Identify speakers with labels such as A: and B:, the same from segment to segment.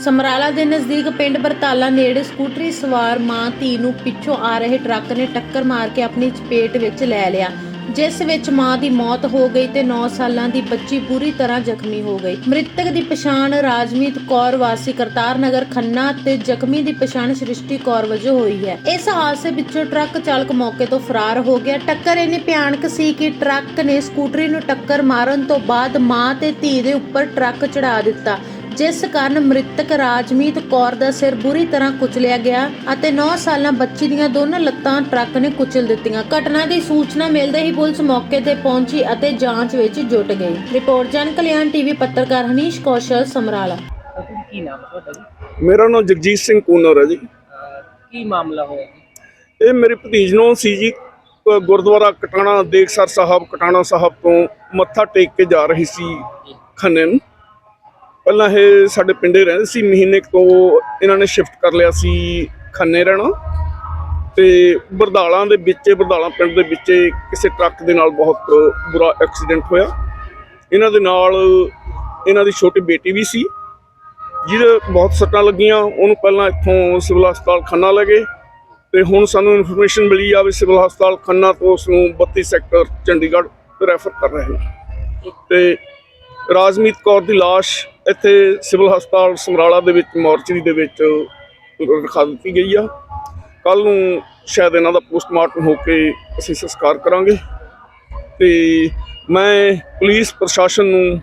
A: ਸਮਰਾਲਾ ਦੇ ਨਜ਼ਦੀਕ ਪਿੰਡ ਬਰਤਾਲਾ ਨੇੜੇ ਸਕੂਟਰੀ ਸਵਾਰ ਮਾਂ ਧੀ ਨੂੰ ਪਿੱਛੋਂ ਆ ਰਹੇ ਟਰੱਕ ਨੇ ਟੱਕਰ ਮਾਰ ਕੇ ਆਪਣੀ ਚਪੇਟ ਵਿੱਚ ਲੈ ਲਿਆ, ਜਿਸ ਵਿੱਚ ਮਾਂ ਦੀ ਮੌਤ ਹੋ ਗਈ ਤੇ 9 ਸਾਲਾਂ ਦੀ ਬੱਚੀ ਬੁਰੀ ਤਰ੍ਹਾਂ ਜ਼ਖਮੀ ਹੋ ਗਈ। ਮ੍ਰਿਤਕ ਦੀ ਪਛਾਣ ਰਾਜਮੀਤ ਕੌਰ ਵਾਸੀ ਕਰਤਾਰ ਨਗਰ ਖੰਨਾ ਤੇ ਜ਼ਖਮੀ ਦੀ ਪਛਾਣ ਸ੍ਰਿਸ਼ਟੀ ਕੌਰ ਵਜੋਂ ਹੋਈ ਹੈ। ਇਸ ਹਾਦਸੇ ਵਿੱਚੋਂ ਟਰੱਕ ਚਾਲਕ ਮੌਕੇ ਤੋਂ ਫਰਾਰ ਹੋ ਗਿਆ। ਟੱਕਰ ਇੰਨੀ ਭਿਆਨਕ ਸੀ ਕਿ ਟਰੱਕ ਨੇ ਸਕੂਟਰੀ ਨੂੰ ਟੱਕਰ ਮਾਰਨ ਤੋਂ ਬਾਅਦ ਮਾਂ ਤੇ ਧੀ ਦੇ ਉੱਪਰ ਟਰੱਕ ਚੜ੍ਹਾ ਦਿੱਤਾ, ਜਿਸ ਕਾਰਨ ਮ੍ਰਿਤਕ ਰਾਜਮੀਤ ਕੌਰ ਦਾ ਸਿਰ ਬੁਰੀ ਤਰ੍ਹਾਂ ਕੁਚਲਿਆ ਗਿਆ ਅਤੇ 9 ਸਾਲਾਂ ਬੱਚੀ ਦੀਆਂ ਦੋਨੋਂ ਲੱਤਾਂ ਟਰੱਕ ਨੇ ਕੁਚਲ ਦਿੱਤੀਆਂ। ਘਟਨਾ ਦੀ ਸੂਚਨਾ ਮਿਲਦੇ ਹੀ ਪੁਲਿਸ ਮੌਕੇ ਤੇ ਪਹੁੰਚੀ ਅਤੇ ਜਾਂਚ ਵਿੱਚ ਜੁਟ ਗਈ। ਰਿਪੋਰਟ ਜਨ ਕਲਿਆਣ ਟੀਵੀ ਪੱਤਰਕਾਰ ਹਨੀਸ਼ ਕੌਸ਼ਲ, ਸਮਰਾਲਾ।
B: ਕੀ ਨਾਮ ਹੈ ਤੁਹਾਡਾ ਜੀ?
C: ਮੇਰਾ ਨਾਮ ਜਗਜੀਤ ਸਿੰਘ ਕੂਨਰ ਹੈ ਜੀ।
B: ਕੀ ਮਾਮਲਾ ਹੋਇਆ ਜੀ?
C: ਇਹ ਮੇਰੇ ਭਤੀਜ ਨੂੰ ਸੀ ਜੀ, ਗੁਰਦੁਆਰਾ ਕਟਾਣਾ ਦੇਖਸਰ ਸਾਹਿਬ ਕਟਾਣਾ ਸਾਹਿਬ ਤੋਂ ਮੱਥਾ ਟੇਕ ਕੇ ਜਾ ਰਹੀ ਸੀ ਖੰਨੇ ਨੂੰ। ਪਹਿਲਾਂ ਇਹ ਸਾਡੇ ਪਿੰਡੇ ਰਹਿੰਦੇ ਸੀ, ਮਹੀਨੇ ਤੋਂ ਇਹਨਾਂ ਨੇ ਸ਼ਿਫਟ ਕਰ ਲਿਆ ਸੀ ਖੰਨੇ ਰਹਿਣਾ। ਤੇ ਬਰਦਾਲਾਂ ਦੇ ਵਿੱਚ, ਬਰਦਾਲਾਂ ਪਿੰਡ ਦੇ ਵਿੱਚ ਕਿਸੇ ਟਰੱਕ ਦੇ ਨਾਲ ਬਹੁਤ ਬੁਰਾ ਐਕਸੀਡੈਂਟ ਹੋਇਆ। ਇਹਨਾਂ ਦੇ ਨਾਲ ਇਹਨਾਂ ਦੀ ਛੋਟੀ ਬੇਟੀ ਵੀ ਸੀ ਜਿਹਦੇ ਬਹੁਤ ਸੱਟਾਂ ਲੱਗੀਆਂ। ਉਹਨੂੰ ਪਹਿਲਾਂ ਇੱਥੋਂ ਸਿਵਲ ਹਸਪਤਾਲ ਖੰਨਾ ਲੈ ਗਏ ਤੇ ਹੁਣ ਸਾਨੂੰ ਇਨਫੋਰਮੇਸ਼ਨ ਮਿਲੀ ਆ ਵੀ ਸਿਵਲ ਹਸਪਤਾਲ ਖੰਨਾ ਤੋਂ ਉਸ ਨੂੰ 32 ਸੈਕਟਰ ਚੰਡੀਗੜ੍ਹ ਰੈਫਰ ਕਰ ਰਹੇ ਨੇ। ਤੇ ਰਾਜਮੀਤ ਕੌਰ ਦੀ ਲਾਸ਼ ਇੱਥੇ ਸਿਵਲ ਹਸਪਤਾਲ ਸਮਰਾਲਾ ਦੇ ਵਿੱਚ ਮੋਰਚਰੀ ਦੇ ਵਿੱਚ ਰਖਾ ਦਿੱਤੀ ਗਈ ਆ। ਕੱਲ੍ਹ ਨੂੰ ਸ਼ਾਇਦ ਇਹਨਾਂ ਦਾ ਪੋਸਟਮਾਰਟਮ ਹੋ ਕੇ ਅਸੀਂ ਸੰਸਕਾਰ ਕਰਾਂਗੇ। ਤੇ ਮੈਂ ਪੁਲਿਸ ਪ੍ਰਸ਼ਾਸਨ ਨੂੰ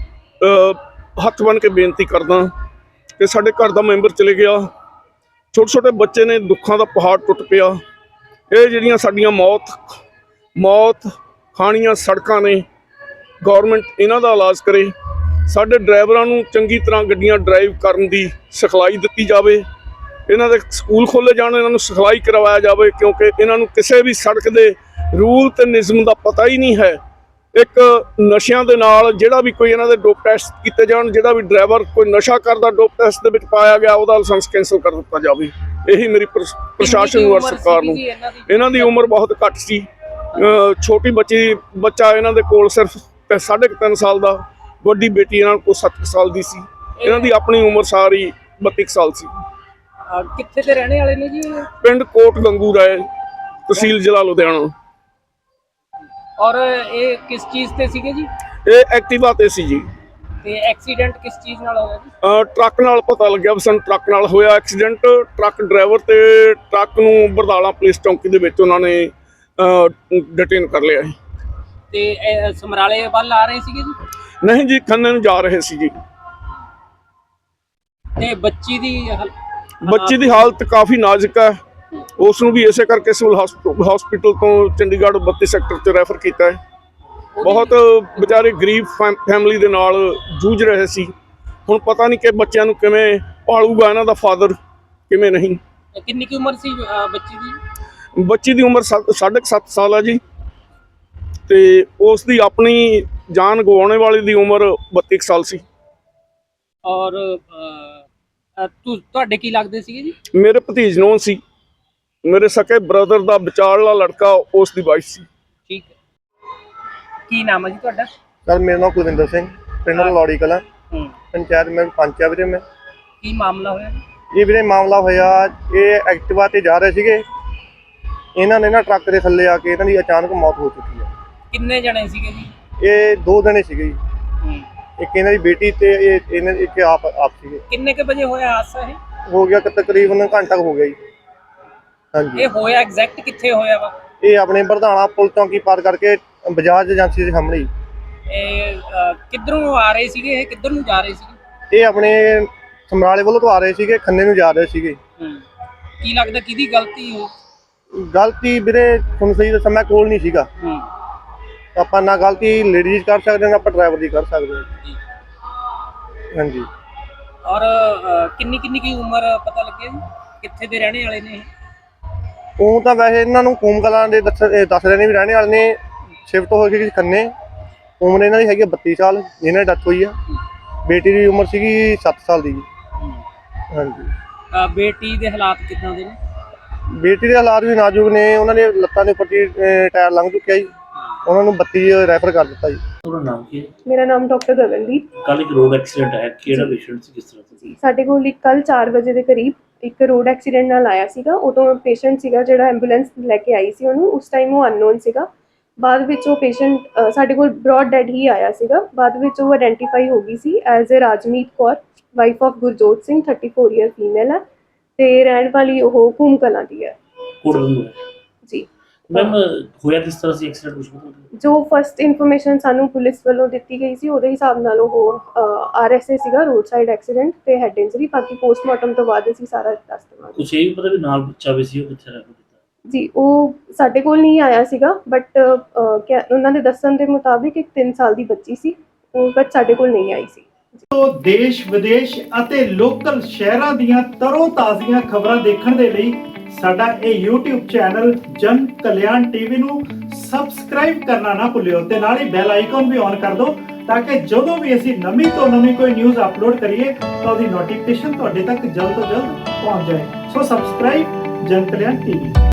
C: ਹੱਥ ਬੰਨ੍ਹ ਕੇ ਬੇਨਤੀ ਕਰਦਾ ਕਿ ਸਾਡੇ ਘਰ ਦਾ ਮੈਂਬਰ ਚਲੇ ਗਿਆ, ਛੋਟੇ ਛੋਟੇ ਬੱਚੇ ਨੇ, ਦੁੱਖਾਂ ਦਾ ਪਹਾੜ ਟੁੱਟ ਪਿਆ। ਇਹ ਜਿਹੜੀਆਂ ਸਾਡੀਆਂ ਮੌਤ ਖਾਣੀਆਂ ਸੜਕਾਂ ਨੇ, ਗੌਰਮੈਂਟ ਇਹਨਾਂ ਦਾ ਇਲਾਜ ਕਰੇ। ਸਾਡੇ ਡਰਾਈਵਰਾਂ ਨੂੰ ਚੰਗੀ ਤਰ੍ਹਾਂ ਗੱਡੀਆਂ ਡਰਾਈਵ ਕਰਨ ਦੀ ਸਿਖਲਾਈ ਦਿੱਤੀ ਜਾਵੇ। ਇਹਨਾਂ ਦੇ ਸਕੂਲ ਖੋਲ੍ਹੇ ਜਾਣ, ਇਹਨਾਂ ਨੂੰ ਸਿਖਲਾਈ ਕਰਵਾਇਆ ਜਾਵੇ, ਕਿਉਂਕਿ ਇਹਨਾਂ ਨੂੰ ਕਿਸੇ ਵੀ ਸੜਕ ਦੇ ਰੂਲ ਤੇ ਨਿਯਮ ਦਾ ਪਤਾ ਹੀ ਨਹੀਂ ਹੈ। ਇੱਕ ਨਸ਼ਿਆਂ ਦੇ ਨਾਲ ਜਿਹੜਾ ਵੀ ਕੋਈ ਇਹਨਾਂ ਦੇ ਡੋਪ ਟੈਸਟ ਕੀਤੇ ਜਾਣ, ਜਿਹੜਾ ਵੀ ਡਰਾਈਵਰ ਕੋਈ ਨਸ਼ਾ ਕਰਦਾ ਡੋਪ ਟੈਸਟ ਦੇ ਵਿੱਚ ਪਾਇਆ ਗਿਆ ਉਹਦਾ ਲਾਇਸੈਂਸ ਕੈਂਸਲ ਕਰ ਦਿੱਤਾ ਜਾਵੇ। ਇਹੀ ਮੇਰੀ ਪ੍ਰਸ਼ਾਸਨ ਨੂੰ ਔਰ ਸਰਕਾਰ ਨੂੰ। ਇਹਨਾਂ ਦੀ ਉਮਰ ਬਹੁਤ ਘੱਟ ਸੀ। ਛੋਟੀ ਬੱਚਾ ਇਹਨਾਂ ਦੇ ਕੋਲ ਸਿਰਫ 3.5 ਸਾਲ ਦਾ, ਵੱਡੀ ਬੇਟੀ ਇਹਨਾਂ ਕੋਲ 7 ਸਾਲ ਦੀ ਸੀ। ਇਹਨਾਂ ਦੀ ਆਪਣੀ ਉਮਰ ਸਾਰੀ 32 ਸਾਲ ਸੀ।
B: ਕਿੱਥੇ ਦੇ ਰਹਿਣੇ ਵਾਲੇ ਨੇ ਜੀ?
C: ਪਿੰਡ ਕੋਟ ਗੰਗੂ ਰਾਏ, ਤਹਿਸੀਲ ਜ਼ਿਲ੍ਹਾ ਲੁਧਿਆਣਾ।
B: ਔਰ ਇਹ ਕਿਸ ਚੀਜ਼ ਤੇ ਸੀਗੇ ਜੀ?
C: ਇਹ ਐਕਟਿਵਾ ਤੇ ਸੀ ਜੀ।
B: ਤੇ ਐਕਸੀਡੈਂਟ ਕਿਸ ਚੀਜ਼ ਨਾਲ ਹੋਇਆ ਜੀ?
C: ਟਰੱਕ ਨਾਲ ਪਤਾ ਲੱਗਿਆ ਵੀ ਸਾਨੂੰ ਟਰੱਕ ਨਾਲ ਹੋਇਆ ਐਕਸੀਡੈਂਟ। ਟਰੱਕ ਡਰਾਈਵਰ ਤੇ ਟਰੱਕ ਨੂੰ ਬਰਦਾਲਾ ਪੁਲਿਸ ਚੌਂਕੀ ਦੇ ਵਿੱਚ ਉਹਨਾਂ ਨੇ ਡਿਟੇਨ ਕਰ ਲਿਆ।
B: ਤੇ ਸਮਰਾਲੇ ਵੱਲ ਆ ਰਹੇ ਸੀਗੇ ਜੀ?
C: ਨਹੀਂ ਜੀ, ਖੰਨੇ ਨੂੰ ਜਾ ਰਹੇ ਸੀ ਜੀ।
B: ਤੇ ਬੱਚੀ ਦੀ
C: ਹਾਲਤ ਕਾਫੀ ਨਾਜ਼ੁਕ ਹੈ। ਉਸ ਨੂੰ ਵੀ ਇਸੇ ਕਰਕੇ ਸਿਵਲ ਹਸਪੀਟਲ ਤੋਂ ਚੰਡੀਗੜ੍ਹ 32 ਸੈਕਟਰ 'ਚ ਰੈਫਰ ਕੀਤਾ ਹੈ। ਬਹੁਤ ਵਿਚਾਰੇ ਗਰੀਬ ਫੈਮਿਲੀ ਦੇ ਨਾਲ ਜੂਝ ਰਹੇ ਸੀ। ਹੁਣ ਪਤਾ ਨਹੀਂ ਕਿ ਬੱਚਿਆਂ ਨੂੰ ਕਿਵੇਂ ਪਾਲੂਗਾ ਇਹਨਾਂ ਦਾ ਫਾਦਰ, ਕਿਵੇਂ ਨਹੀਂ।
B: ਕਿੰਨੀ ਕੀ ਉਮਰ ਸੀ ਬੱਚੀ ਦੀ?
C: ਬੱਚੀ ਦੀ ਉਮਰ 7.5 ਸਾਲ ਹੈ ਜੀ। ਤੇ ਉਸ ਦੀ ਆਪਣੀ ਜਾਨ ਗਵਾਉਣੇ ਵਾਲੀ ਦੀ ਉਮਰ 32 ਸਾਲ ਸੀ।
B: ਔਰ ਤੁਹਾਡੇ ਕੀ ਲੱਗਦੇ ਸੀਗੇ ਜੀ?
C: ਮੇਰੇ ਭਤੀਜ ਨੂੰ ਸੀ, ਮੇਰੇ ਸਕੇ ਬ੍ਰਦਰ ਦਾ ਵਿਚਾਰਲਾ ਲੜਕਾ, ਉਸ ਦੀ ਵਾਈਫ ਸੀ।
B: ਠੀਕ ਹੈ। ਕੀ ਨਾਮ ਹੈ ਜੀ ਤੁਹਾਡਾ?
D: ਸਰ ਮੇਰਾ ਨਾਮ ਕੁਲਵਿੰਦਰ ਸਿੰਘ, ਪਿੰਡ ਲੌੜੀ ਕਲਾਂ, ਪੰਚਾਇਤ ਮੈਂ ਪੰਚ ਆ ਵੀਰੇ। ਮੈਂ
B: ਕੀ ਮਾਮਲਾ ਹੋਇਆ?
D: ਇਹ ਵੀਰੇ ਮਾਮਲਾ ਹੋਇਆ, ਇਹ ਐਕਟਿਵਾ ਤੇ ਜਾ ਰਹੇ ਸੀਗੇ। ਇਹਨਾਂ ਨੇ ਨਾ ਟਰੱਕ ਦੇ ਥੱਲੇ ਆ ਕੇ ਇਹਨਾਂ ਦੀ ਅਚਾਨਕ ਮੌਤ ਹੋ ਚੁੱਕੀ ਹੈ।
B: ਕਿੰਨੇ ਜਣੇ ਸੀਗੇ ਜੀ?
D: ਇਹ 2 ਜਣੇ ਸੀਗੇ ਜੀ। ਇੱਕ ਇਹਨਾਂ ਦੀ ਬੇਟੀ ਤੇ ਇੱਕ ਆਪ ਸੀਗੇ।
B: ਕਿੰਨੇ ਕੇ ਵਜੇ ਹੋਇਆ ਹਾਦਸਾ? ਇਹ
D: ਹੋ ਗਿਆ ਤਕਰੀਬਨ ਘੰਟਾ ਹੋ ਗਿਆ ਜੀ। ਹਾਂਜੀ।
B: ਇਹ ਹੋਇਆ ਐਗਜ਼ੈਕਟ ਕਿੱਥੇ ਹੋਇਆ ਵਾ?
D: ਇਹ ਆਪਣੇ ਬਰਧਾਣਾ ਪੁਲ ਚੌਂਕੀ ਪਾਰ ਕਰਕੇ ਬਜਾਜ ਏਜੰਸੀ ਦੇ ਸਾਹਮਣੇ।
B: ਇਹ ਕਿੱਧਰੋਂ ਆ ਰਹੇ ਸੀਗੇ? ਇਹ ਕਿੱਧਰ ਨੂੰ ਜਾ ਰਹੇ ਸੀਗੇ?
D: ਇਹ ਆਪਣੇ ਸਮਰਾਲੇ ਵੱਲੋਂ ਤੋਂ ਆ ਰਹੇ ਸੀਗੇ, ਖੰਨੇ ਨੂੰ ਜਾ ਰਹੇ ਸੀਗੇ।
B: ਕੀ ਲੱਗਦਾ ਕਿਹਦੀ ਗਲਤੀ ਹੋ?
D: ਗਲਤੀ ਵੀਰੇ ਤੁਹਾਨੂੰ ਸਹੀ ਦੱਸਾਂ, ਮੈਂ ਕੋਲ ਨਹੀਂ ਸੀਗਾ। ਆਪਾਂ ਨਾ ਗਲਤੀ ਲੇਡੀਜ਼ ਕਰ ਸਕਦੇ, ਨਾ ਆਪਾਂ ਡਰਾਈਵਰ ਦੀ ਕਰ ਸਕਦੇ ਹਾਂ। ਹਾਂਜੀ।
B: ਔਰ ਕਿੰਨੀ ਕੀ ਉਮਰ ਪਤਾ ਲੱਗਿਆ ਜੀ? ਕਿੱਥੇ ਦੇ ਰਹਿਣੇ ਵਾਲੇ ਨੇ?
D: ਉਹ ਤਾਂ ਵੈਸੇ ਇਹਨਾਂ ਨੂੰ ਕੂਮ ਕਲਾਂ ਦੇ ਦੱਸ ਰਹੇ ਨੇ ਵੀ ਰਹਿਣੇ ਵਾਲੇ ਨੇ। ਸ਼ਿਫਟ ਹੋ ਗਈ ਖੰਨੇ। ਉਮਰ ਇਹਨਾਂ ਦੀ ਹੈਗੀ 32 ਸਾਲ, ਜਿਹਨਾਂ ਦੀ ਡੈਥ ਹੋਈ ਆ। ਬੇਟੀ ਦੀ ਉਮਰ ਸੀਗੀ 7 ਸਾਲ ਦੀ ਜੀ। ਹਾਂਜੀ।
B: ਬੇਟੀ ਦੇ ਹਾਲਾਤ ਕਿੱਦਾਂ ਦੇ ਨੇ?
D: ਬੇਟੀ ਦੇ ਹਾਲਾਤ ਵੀ ਨਾਜ਼ੁਕ ਨੇ। ਉਹਨਾਂ ਦੇ ਲੱਤਾਂ ਦੇ ਉੱਪਰ ਟਾਇਰ ਲੰਘ ਚੁੱਕਿਆ ਜੀ। ਉਹਨਾਂ ਨੂੰ 32 ਰੈਫਰ ਕਰ ਦਿੱਤਾ ਜੀ।
E: ਉਹਦਾ ਨਾਮ ਕੀ ਹੈ?
F: ਮੇਰਾ ਨਾਮ ਡਾਕਟਰ ਗਗਨਦੀਪ।
E: ਕੱਲ ਇੱਕ ਰੋਡ ਐਕਸੀਡੈਂਟ ਹੈ, ਕਿਹੜਾ ਪੇਸ਼ੈਂਟ ਸੀ, ਕਿਸ ਤਰ੍ਹਾਂ ਸੀ?
F: ਸਾਡੇ ਕੋਲ ਕੱਲ 4 ਵਜੇ ਦੇ ਕਰੀਬ ਇੱਕ ਰੋਡ ਐਕਸੀਡੈਂਟ ਨਾਲ ਆਇਆ ਸੀਗਾ। ਉਦੋਂ ਪੇਸ਼ੈਂਟ ਸੀਗਾ ਜਿਹੜਾ ਐਂਬੂਲੈਂਸ ਲੈ ਕੇ ਆਈ ਸੀ ਉਹਨੂੰ, ਉਸ ਟਾਈਮ ਉਹ ਅਨਨੋਨ ਸੀਗਾ। ਬਾਅਦ ਵਿੱਚ ਉਹ ਪੇਸ਼ੈਂਟ ਸਾਡੇ ਕੋਲ ਬ੍ਰੌਡ ਡੈਡ ਹੀ ਆਇਆ ਸੀਗਾ। ਬਾਅਦ ਵਿੱਚ ਉਹ ਆਇਡੈਂਟੀਫਾਈ ਹੋ ਗਈ ਸੀ as a Rajmeet Kaur, wife of Gurjot Singh, 34 year female ਹੈ ਤੇ ਰਹਿਣ ਵਾਲੀ ਉਹ ਕੂਮ ਕਲਾਂ ਦੀ ਹੈ ਜੀ।
E: ਮੈਮ ਹੋਇਆ ਕਿਸ ਤਰ੍ਹਾਂ ਸੀ ਐਕਸੀਡੈਂਟ, ਕੁਝ ਪਤਾ?
F: ਜੋ ਫਸਟ ਇਨਫੋਰਮੇਸ਼ਨ ਸਾਨੂੰ ਪੁਲਿਸ ਵੱਲੋਂ ਦਿੱਤੀ ਗਈ ਸੀ ਉਹਦੇ ਹਿਸਾਬ ਨਾਲ ਉਹ RSA ਸੀਗਾ, ਰੋਡ ਸਾਈਡ ਐਕਸੀਡੈਂਟ ਤੇ ਹੈਡ ਇੰਜਰੀ। ਬਾਕੀ ਪੋਸਟਮਾਰਟਮ ਤੋਂ ਬਾਅਦ ਅਸੀਂ ਸਾਰਾ ਦੱਸ ਦੇਵਾਂਗੇ।
E: ਕੁਛ ਇਹ ਵੀ ਪਤਾ ਵੀ ਨਾਲ ਬੱਚਾ ਵੀ ਸੀ, ਉਹ ਕਿੱਥੇ ਰਹਿ ਗਿਆ?
F: ਜੀ ਉਹ ਸਾਡੇ ਕੋਲ ਨਹੀਂ ਆਇਆ ਸੀਗਾ, ਬਟ ਉਹਨਾਂ ਦੇ ਦੱਸਣ ਦੇ ਮੁਤਾਬਿਕ ਇੱਕ 3 ਸਾਲ ਦੀ ਬੱਚੀ ਸੀ, ਉਹ ਬੱਚ ਸਾਡੇ ਕੋਲ ਨਹੀਂ ਆਈ ਸੀ।
G: ਦੇਸ਼ ਵਿਦੇਸ਼ ਅਤੇ ਲੋਕਲ ਸ਼ਹਿਰਾਂ ਦੀਆਂ ਤਰੋ ਤਾਜ਼ੀਆਂ ਖਬਰਾਂ ਦੇਖਣ ਦੇ ਲਈ ਸਾਡਾ ਇਹ YouTube ਚੈਨਲ ਜਨ ਕਲਿਆਣ TV ਨੂੰ ਸਬਸਕ੍ਰਾਈਬ ਕਰਨਾ ਨਾ ਭੁੱਲਿਓ ਤੇ ਨਾਲ ਹੀ ਬੈਲ ਆਈਕਨ ਵੀ ਔਨ ਕਰ ਦਿਓ ਤਾਂ ਕਿ ਜਦੋਂ ਵੀ ਅਸੀਂ ਨਵੀਂ ਤੋਂ ਨਵੀਂ ਕੋਈ ਨਿਊਜ਼ ਅਪਲੋਡ ਕਰੀਏ ਤਾਂ ਉਹਦੀ ਨੋਟੀਫਿਕੇਸ਼ਨ ਤੁਹਾਡੇ ਤੱਕ ਜਲਦ ਤੋਂ ਜਲਦ ਪਹੁੰਚ ਜਾਏ। ਸੋ ਸਬਸਕ੍ਰਾਈਬ ਜਨ ਕਲਿਆਣ TV।